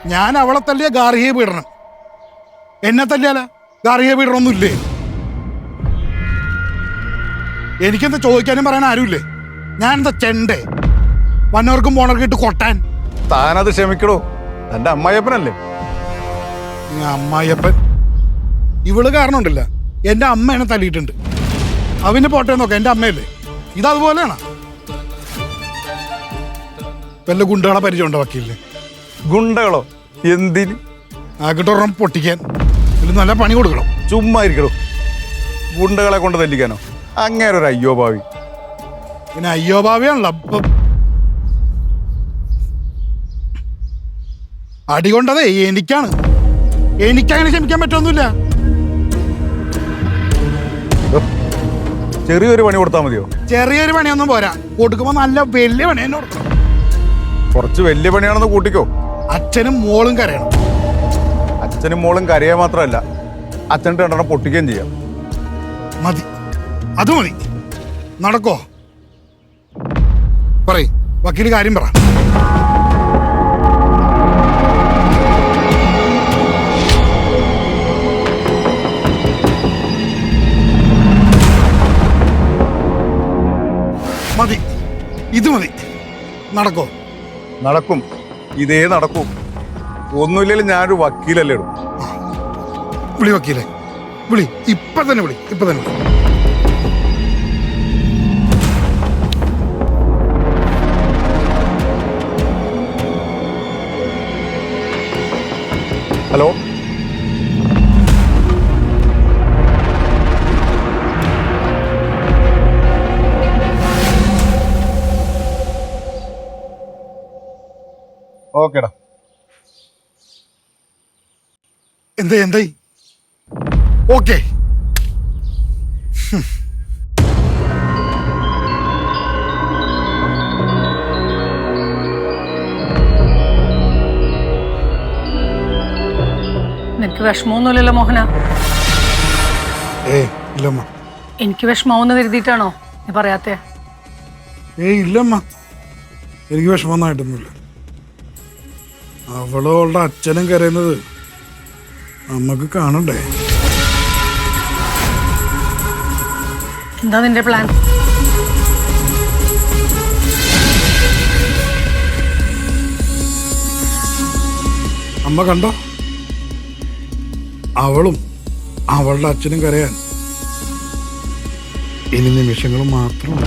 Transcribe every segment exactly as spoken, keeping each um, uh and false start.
ഞാൻ അവളെ തല്ലിയ ഗാർഹിക പീഡനം, എന്നെ തല്ലിയാല ഗാർഹിക പീഡനമൊന്നും ഇല്ലേ? എനിക്കെന്താ ചോദിക്കാനും പറയാൻ ആരുമില്ലേ? ഞാൻ എന്താ ചെണ്ടേ വന്നവർക്കും പോണവർക്കും ഇട്ട് കൊട്ടാൻ? താനത് ക്ഷമിക്കടോ, എന്റെ അമ്മായിയപ്പനല്ലേ. അമ്മായിയപ്പൻ ഇവള് കാരണം ഉണ്ടല്ല എന്റെ അമ്മ എന്നെ തല്ലിയിട്ടുണ്ട്. അവന് പോട്ടെ നോക്കാം, എന്റെ അമ്മയല്ലേ. ഇതതുപോലെയാണ്. വല്ല ഗുണ്ടകളെ പരിചയമുണ്ടോ വക്കീലിന്? ഗുണ്ടകളോ? എന്തിന്? ആക്കിട്ടൊരെണ്ണം പൊട്ടിക്കാൻ ഇതിൽ നല്ല പണി കൊടുക്കണം. ചുമ്മാ ഇരിക്കടോ, ഗുണ്ടകളെ കൊണ്ട് തല്ലിക്കാനോ? അങ്ങനെ ഒരു അയ്യോ ഭാവി. പിന്നെ അയ്യോ ഭാവിയാണല്ലോ. അപ്പം അടി കൊണ്ടതേ എനിക്കാണ്. എനിക്കങ്ങനെ ക്ഷമിക്കാൻ പറ്റൊന്നുമില്ല. ചെറിയൊരു പണി കൊടുത്താൽ മതിയോ? ചെറിയൊരു പണിയൊന്നും പോരാ, കൊടുക്കുമ്പോ നല്ല വലിയ പണി തന്നെ കൊടുക്കണം. കുറച്ച് വലിയ പണിയാണെന്ന് കൂട്ടിക്കോ. അച്ഛനും മോളും കരയണം. അച്ഛനും മോളും കരയാൻ മാത്രമല്ല, അച്ഛൻ്റെ രണ്ടെണ്ണം പൊട്ടിക്കുകയും ചെയ്യാം. മതി, അത് മതി. നടക്കോ? പറയ്, വക്കീല് കാര്യം പറ. മതി, ഇത് മതി. നടക്കോ? നടക്കും, ഇതേ നടക്കും. ഒന്നുമില്ലെങ്കിലും ഞാനൊരു വക്കീലല്ലേ ഇടും. വിളി വക്കീലെ, വിളി. ഇപ്പൊ തന്നെ വിളി, ഇപ്പൊ തന്നെ വിളി. ഹലോ, ഓക്കേടാ. എന്താ എന്തായി? ഓക്കെ. നിനക്ക് വിഷമമൊന്നുമില്ലല്ലോ മോഹന? ഏയ് ഇല്ലമ്മ. എനിക്ക് വിഷമാവെന്ന് കരുതിയിട്ടാണോ നീ പറയാത്തെ? ഏയ് ഇല്ലമ്മ, എനിക്ക് വിഷമമൊന്നായിട്ടൊന്നുമില്ല. അവളും അവളുടെ അച്ഛനും കരയുന്നത് നമുക്ക് കാണണ്ടേ? എന്താ നിന്റെ പ്ലാൻ? അമ്മ കണ്ടോ, അവളും അവളുടെ അച്ഛനും കരയാൻ ഇനി നിമിഷങ്ങൾ മാത്രമാണ്.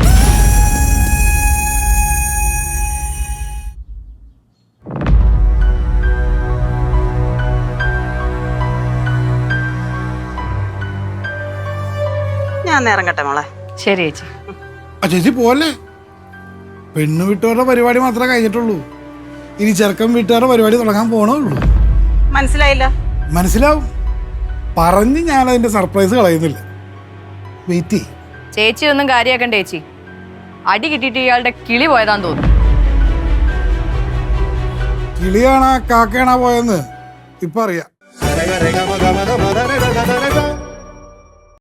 ഞാൻ ഇറങ്ങട്ടെ മോളെ. ശരി ചേച്ചി. ആ ചേച്ചി പോലെ, പെണ്ണു വീട്ടുകാരുടെ പരിപാടി മാത്രമേ കഴിഞ്ഞിട്ടുള്ളൂ. ഇനി ചെറുക്കൻ വീട്ടുകാരുടെ പരിപാടി തുടങ്ങാൻ പോണേ ഉള്ളൂ. മനസ്സിലായില്ല? മനസ്സിലാവും. പറഞ്ഞ് ഞാൻ അതിന്റെ സർപ്രൈസ് കളയുന്നില്ല. വെയിറ്റ് ചെയ്യ്. ചേച്ചി ഒന്നും കാര്യാക്കണ്ട ചേച്ചി. അടി കിട്ടിയിട്ട് ഇയാളുടെ കിളി പോയതാന്ന് തോന്നുന്നു. കിളിയാണാ കാക്കയാണാ പോയെന്ന് ഇപ്പൊ അറിയാം.